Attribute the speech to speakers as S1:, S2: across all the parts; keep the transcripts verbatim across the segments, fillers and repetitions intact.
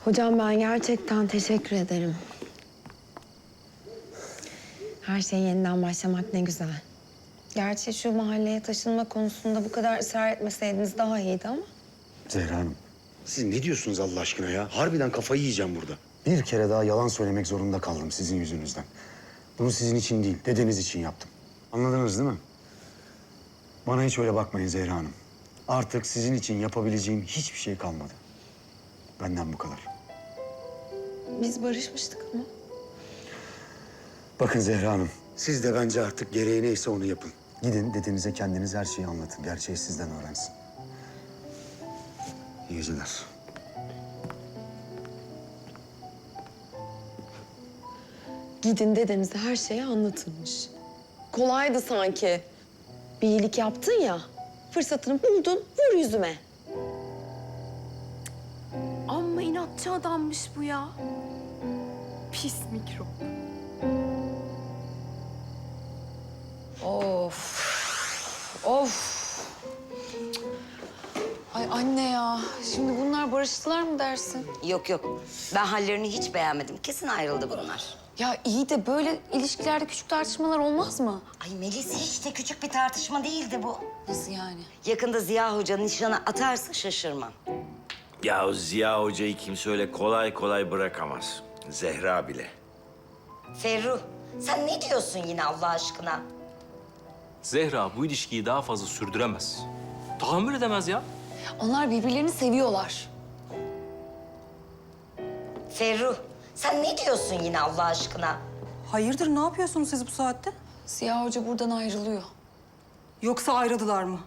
S1: Hocam ben gerçekten teşekkür ederim. Her şey yeniden başlamak ne güzel. Gerçi şu mahalleye taşınma konusunda bu kadar ısrar etmeseydiniz daha iyiydi ama.
S2: Zehra Hanım, siz ne diyorsunuz Allah aşkına ya? Harbiden kafayı yiyeceğim burada. Bir kere daha yalan söylemek zorunda kaldım sizin yüzünüzden. Bunu sizin için değil, dedeniz için yaptım. Anladınız değil mi? Bana hiç öyle bakmayın Zehra Hanım. Artık sizin için yapabileceğim hiçbir şey kalmadı. Benden bu kadar.
S1: Biz barışmıştık ama.
S2: Bakın Zehra Hanım, siz de bence artık gereği neyse onu yapın. Gidin dedenize kendiniz her şeyi anlatın. Gerçeği sizden öğrensin. İyi geceler.
S1: Gidin dedenize her şeyi anlatılmış. Kolaydı sanki. Bir iyilik yaptın ya, fırsatını buldun, vur yüzüme.
S3: Amma inatçı adammış bu ya. Pis mikrop.
S4: Of. Of. Ay anne ya. Şimdi bunlar barıştılar mı dersin?
S5: Yok yok. Ben hallerini hiç beğenmedim. Kesin ayrıldı bunlar.
S4: Ya iyi de böyle ilişkilerde küçük tartışmalar olmaz mı?
S5: Ay Melis hiç de küçük bir tartışma değildi bu.
S4: Nasıl yani?
S5: Yakında Ziya Hoca nişana atarsa şaşırmam.
S6: Ya Ziya Hoca'yı kimse öyle kolay kolay bırakamaz. Zehra bile.
S5: Ferruh, sen ne diyorsun yine Allah aşkına?
S7: Zehra bu ilişkiyi daha fazla sürdüremez. Tahammül edemez ya.
S4: Onlar birbirlerini seviyorlar.
S5: Ferruh, sen ne diyorsun yine Allah aşkına?
S8: Hayırdır, ne yapıyorsunuz siz bu saatte?
S4: Ziya Hoca buradan ayrılıyor.
S8: Yoksa ayrıldılar mı?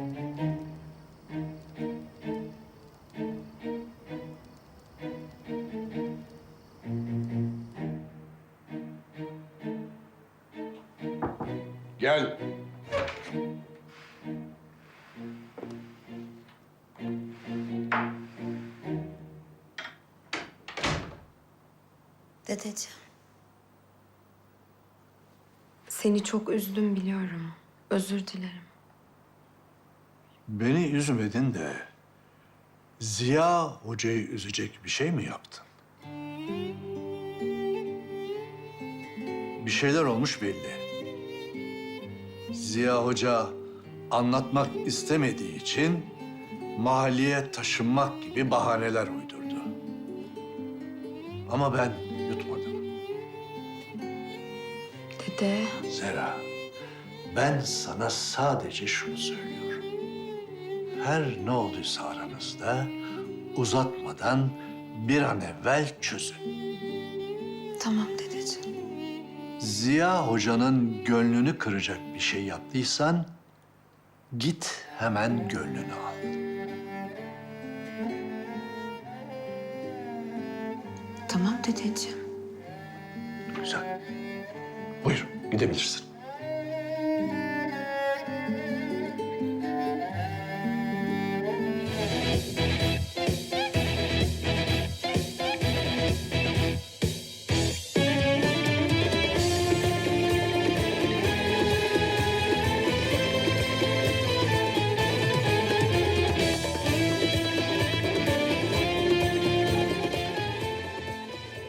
S9: Gel.
S1: Dedeciğim. Seni çok üzdüm biliyorum. Özür dilerim.
S9: Beni üzmedin de Ziya Hoca'yı üzecek bir şey mi yaptın? Bir şeyler olmuş belli. Ziya Hoca anlatmak istemediği için mahalleye taşınmak gibi bahaneler uydurdu. Ama ben yutmadım.
S1: Dede.
S9: Zehra, ben sana sadece şunu söylüyorum. Her ne olduysa aranızda uzatmadan bir an evvel çözün.
S1: Tamam dedeciğim.
S9: Ziya Hoca'nın gönlünü kıracak bir şey yaptıysan git hemen gönlünü al.
S1: Tamam dedeciğim.
S9: Güzel. Buyur, gidebilirsin.